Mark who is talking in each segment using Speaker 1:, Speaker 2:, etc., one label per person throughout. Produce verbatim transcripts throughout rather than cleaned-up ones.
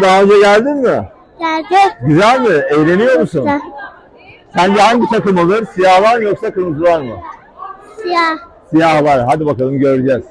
Speaker 1: Nasıl, daha önce geldin mi?
Speaker 2: Geldim.
Speaker 1: Güzel mi? Eğleniyor musun?
Speaker 2: Güzel.
Speaker 1: Sence hangi takım olur? Siyahlar mı yoksa kırmızılar mı?
Speaker 2: Siyah.
Speaker 1: Siyahlar. Hadi bakalım, göreceğiz.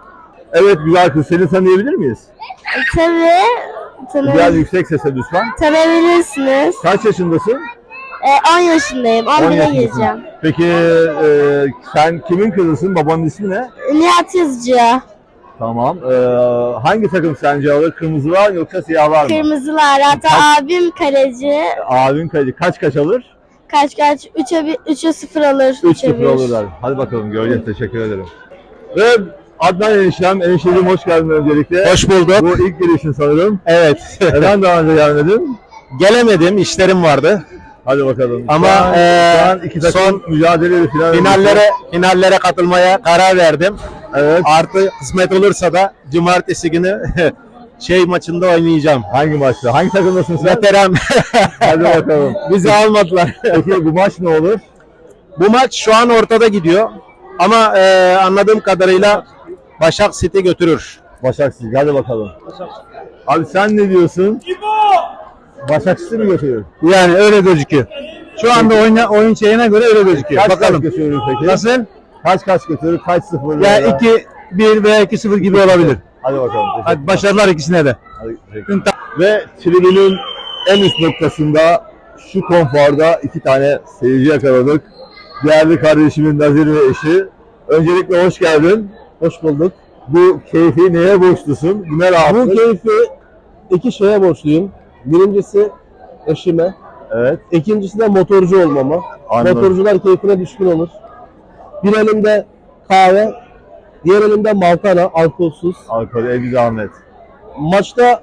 Speaker 1: Evet güzel kız, seni tanıyabilir miyiz?
Speaker 2: Tabii.
Speaker 1: Biraz
Speaker 2: Tanı
Speaker 1: yüksek sesle lütfen.
Speaker 2: tanıyabilirsiniz.
Speaker 1: Kaç yaşındasın?
Speaker 2: Ee, on yaşındayım.
Speaker 1: on
Speaker 2: on bire
Speaker 1: yaşındasın.
Speaker 2: gireceğim.
Speaker 1: Peki e, sen kimin kızısın? Babanın ismi ne?
Speaker 2: Nihat Yazıcı.
Speaker 1: Tamam. E, hangi takım sence alır? Kırmızılar mı yoksa siyahlar mı?
Speaker 2: Kırmızılar. Hatta
Speaker 1: Kaç-
Speaker 2: abim kaleci.
Speaker 1: Abin kaç, kaç kaç alır?
Speaker 2: Kaç kaç? üçe sıfır alır.
Speaker 1: üç sıfır alırlar. Hadi bakalım, göreceğiz. Teşekkür ederim. Ve Adnan eniştem, enişteciğim hoş geldin öncelikle.
Speaker 3: Hoş bulduk.
Speaker 1: Bu ilk gelişin sanırım.
Speaker 3: Evet.
Speaker 1: Neden daha önce gelmedin?
Speaker 3: Gelemedim, işlerim vardı.
Speaker 1: Hadi bakalım.
Speaker 3: Ama,
Speaker 1: şu an,
Speaker 3: eee,
Speaker 1: şu an iki takım
Speaker 3: son
Speaker 1: mücadele final
Speaker 3: Finallere finallere katılmaya karar verdim.
Speaker 1: Evet.
Speaker 3: Artı kısmet olursa da cumartesi günü şey maçında oynayacağım.
Speaker 1: Hangi maçta? Hangi takımdasın sen?
Speaker 3: Veteran.
Speaker 1: Hadi bakalım.
Speaker 3: Bizi almadılar.
Speaker 1: Peki bu maç ne olur?
Speaker 3: Bu maç şu an ortada gidiyor. Ama eee, anladığım kadarıyla Başak City götürür.
Speaker 1: Başakşehir. Hadi bakalım. Abi sen ne diyorsun? Başakşehir mi götürüyor?
Speaker 3: Yani öyle gözüküyor. Şu anda oyun, oyun şeyine göre öyle gözüküyor.
Speaker 1: Kaç
Speaker 3: Bakalım.
Speaker 1: kaç götürür peki?
Speaker 3: Nasıl?
Speaker 1: Kaç kaç götürür? Kaç sıfır?
Speaker 3: Ya
Speaker 1: veya-
Speaker 3: iki bir veya iki sıfır gibi olabilir.
Speaker 1: Hadi bakalım. teşekkürler.
Speaker 3: Hadi başarılar ikisine de.
Speaker 1: Hadi, teşekkür. Ve tribünün en üst noktasında şu konforda iki tane seyirci yakaladık. Değerli kardeşimin Nazir ve eşi. Öncelikle hoş geldin.
Speaker 4: Hoş bulduk.
Speaker 1: Bu keyfi neye borçlusun? Bu ne rahatlık?
Speaker 4: Bu keyfi iki şeye borçluyum. Birincisi eşime,
Speaker 1: Evet.
Speaker 4: ikincisi de motorcu olmama.
Speaker 1: Anladım.
Speaker 4: Motorcular keyfine düşkün olur. Bir elimde kahve, diğer elimde maltana, alkolsüz.
Speaker 1: Alkol, Ebi Ahmet.
Speaker 4: Maçta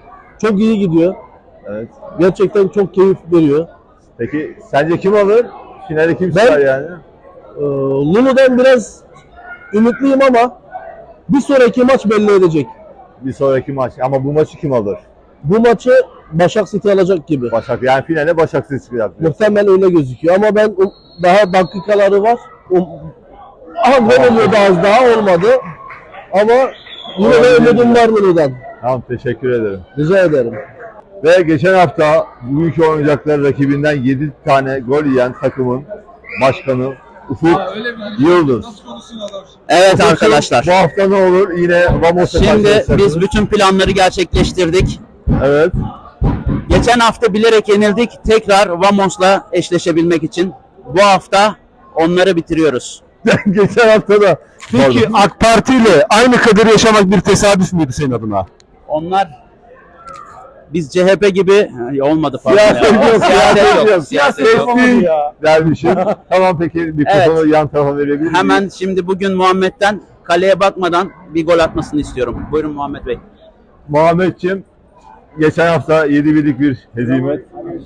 Speaker 4: çok iyi gidiyor.
Speaker 1: Evet.
Speaker 4: Gerçekten çok keyif veriyor.
Speaker 1: Peki sence kim alır? Finale kim
Speaker 4: Ben-
Speaker 1: çıkar yani?
Speaker 4: Ee, Lulu'dan biraz ümitliyim ama bir sonraki maç belli edecek.
Speaker 1: Bir sonraki maç. Ama bu maçı kim alır?
Speaker 4: Bu maçı Başak City alacak gibi.
Speaker 1: Başak. Yani finale Başakşehir çıkacak.
Speaker 4: Muhtemelen öyle gözüküyor ama ben um- daha dakikaları var. Um, aha gol oluyordu az daha olmadı. Ama yine de
Speaker 1: Olabilir
Speaker 4: ümidim
Speaker 1: mi?
Speaker 4: var Lulu'dan.
Speaker 1: Tamam, teşekkür ederim.
Speaker 4: Rica ederim.
Speaker 1: Ve geçen hafta bugünkü oynayacakları rakibinden yedi tane gol yiyen takımın başkanı Ufuk Yıldız.
Speaker 5: Evet
Speaker 1: Ufuk'cum,
Speaker 5: arkadaşlar.
Speaker 1: Bu hafta ne olur? Yine Vamos'a
Speaker 5: Şimdi
Speaker 1: karşılaşacaksınız.
Speaker 5: biz bütün planları gerçekleştirdik.
Speaker 1: Evet.
Speaker 5: Geçen hafta bilerek yenildik. Tekrar Vamos'la eşleşebilmek için bu hafta onları bitiriyoruz.
Speaker 1: Geçen hafta da
Speaker 3: Peki AK Parti ile aynı kaderi yaşamak bir tesadüf müydü senin adına?
Speaker 5: Onlar biz C H P gibi Ay, olmadı pardon.
Speaker 1: Siyaset
Speaker 5: ya.
Speaker 1: yok, siyaset yok.
Speaker 5: Siyaset yok.
Speaker 1: değil dermişim. Tamam, peki mikrofonu yan tarafa verebilir miyim?
Speaker 5: Hemen şimdi bugün Muhammed'den kaleye bakmadan bir gol atmasını istiyorum. Buyurun Muhammed Bey.
Speaker 1: Muhammedciğim, geçen hafta yedi birlik bir hezimet.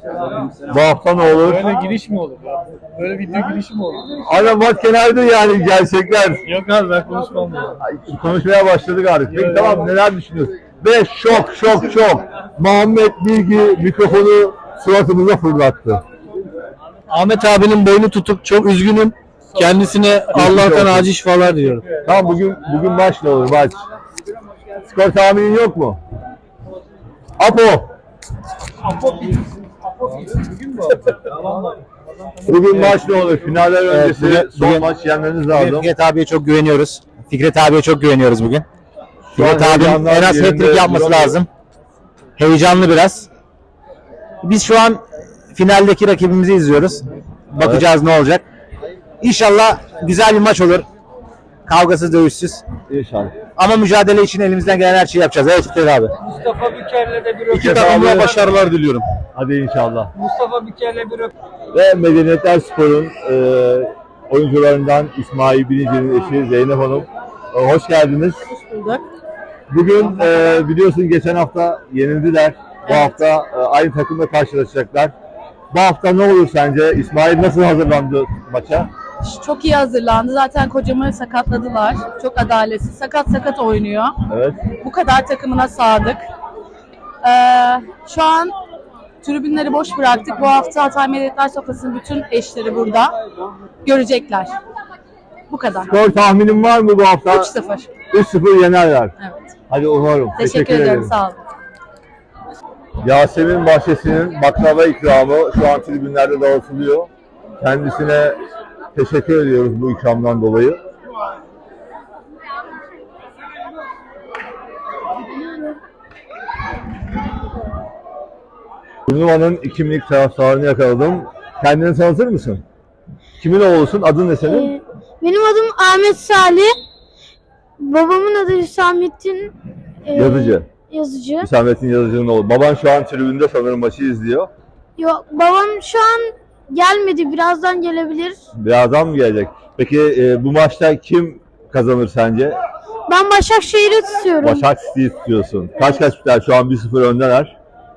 Speaker 1: Bu hafta ne olur?
Speaker 6: Böyle giriş mi olur ya? Böyle video girişi mi olur?
Speaker 1: Ana bak kenarda yani gerçekler.
Speaker 6: Yok abi ben konuşmam ya.
Speaker 1: Ay, konuşmaya başladık artık. Peki tamam, neler düşünüyorsun? Ve şok şok şok. Muhammed Bilgi mikrofonu suratımıza fırlattı.
Speaker 4: Ahmet abinin boynu tutup çok üzgünüm. Kendisine Allah'tan acil şifalar diliyorum.
Speaker 1: Tamam, bugün bugün maç ne olur maç? Skor tahminin yok mu? Apo. Bugün maç ne olur? Finaller öncesi
Speaker 3: bugün-
Speaker 1: son
Speaker 3: bugün-
Speaker 1: maç yenmeniz lazım.
Speaker 3: Fikret abiye çok güveniyoruz. Fikret abiye çok güveniyoruz bugün.
Speaker 1: Şu an
Speaker 3: Fikret abinin
Speaker 1: heyecandan
Speaker 3: en az
Speaker 1: yerinde
Speaker 3: hat-trick yapması
Speaker 1: duramıyor.
Speaker 3: lazım. Heyecanlı biraz. Biz şu an finaldeki rakibimizi izliyoruz. Bakacağız ne olacak. İnşallah güzel bir maç olur. Kavgasız, dövüşsüz.
Speaker 1: İnşallah.
Speaker 3: Ama mücadele için elimizden gelen her şeyi yapacağız. Evet Fikret abi.
Speaker 6: Mustafa Büker'le de bir
Speaker 3: İki
Speaker 1: Fikret
Speaker 3: takımla
Speaker 1: abi-
Speaker 3: başarılar diliyorum.
Speaker 1: Hadi inşallah.
Speaker 6: Mustafa Büker'le bir
Speaker 1: Ve Medeniyetler Spor'un e, oyuncularından İsmail Bilinci'nin eşi Zeynep Hanım. E, hoş geldiniz.
Speaker 7: Hoş bulduk.
Speaker 1: Bugün e, biliyorsun geçen hafta yenildiler. Bu hafta e, aynı takımla karşılaşacaklar. Bu hafta ne olur sence? İsmail nasıl hazırlandı maça?
Speaker 7: Çok iyi hazırlandı. Zaten kocamı sakatladılar. Çok adaletsiz. Sakat sakat oynuyor.
Speaker 1: Evet.
Speaker 7: Bu kadar takımına sadık. Ee, şu an tribünleri boş bıraktık. Bu hafta Hatay Medeniyetler Sofrası'nın bütün eşleri burada. Görecekler. Bu kadar.
Speaker 1: Skor tahminin var mı bu hafta?
Speaker 7: üç sıfır.
Speaker 1: üç sıfır yenerler.
Speaker 7: Evet.
Speaker 1: Hadi umarım.
Speaker 7: Teşekkür, ederim. Sağ olun.
Speaker 1: Yasemin Bahçesi'nin baklava ikramı şu an tribünlerde dağıtılıyor. Kendisine teşekkür ediyoruz bu ikramdan dolayı. Turnuvanın iki minik taraftarını yakaladım. Kendini tanıtır mısın? Kimin oğlusun? Adın ne senin?
Speaker 2: Ee, benim adım Ahmet Salih. Babamın adı Hüsamettin e,
Speaker 1: Yazıcı.
Speaker 2: Yazıcı.
Speaker 1: Hüsamettin Yazıcı'nın oğlu. Baban şu an tribünde sanırım maçı izliyor.
Speaker 2: Yok, babam şu an gelmedi. Birazdan gelebilir.
Speaker 1: Birazdan mı gelecek? Peki e, bu maçta kim kazanır sence?
Speaker 2: Ben Başakşehir'i tutuyorum.
Speaker 1: Başak City'yi tutuyorsun. Kaç kaç biter? Şu an bir sıfır öndeler.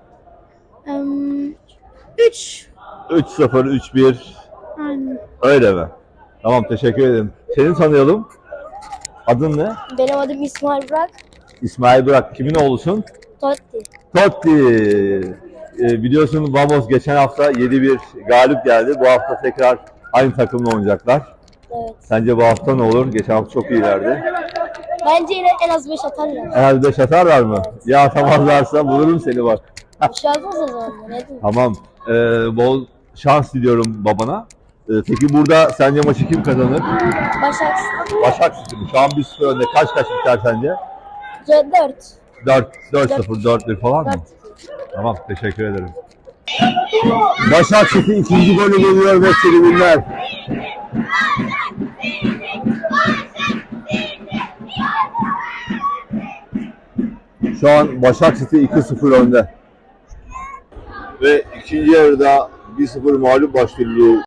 Speaker 2: üç.
Speaker 1: üç sıfır, üç bir.
Speaker 2: Aynen.
Speaker 1: Öyle mi? Tamam, teşekkür ederim. Seni tanıyalım. Adın ne?
Speaker 2: Benim adım İsmail Burak.
Speaker 1: İsmail Burak. Kimin oğlusun?
Speaker 2: Totti.
Speaker 1: Totti. Ee, biliyorsun Vamos geçen hafta yedi bir galip geldi. Bu hafta tekrar aynı takımla oynayacaklar.
Speaker 2: Evet.
Speaker 1: Sence bu hafta ne olur? Geçen hafta çok iyilerdi.
Speaker 2: Bence yine en az beş atarlar.
Speaker 1: En az beş atarlar mı? Ya atamazlarsa bulurum seni bak.
Speaker 2: Bir şey olmaz o zaman. Ne diyeyim?
Speaker 1: Tamam. Ee, bol şans diliyorum babana. Ee, peki burada sence maçı kim kazanır?
Speaker 2: Başakşehir.
Speaker 1: Başak City. Şu an bir sıfır önde. Kaç kaç biter sence?
Speaker 2: dört.
Speaker 1: dört dört sıfır, dört bir falan mı? Tamam, teşekkür ederim. Başak City ikinci golü geliyor ve tribünler. Şu an Başak City iki sıfır önde. Ve ikinci yarıda bir sıfır mağlup başlıyor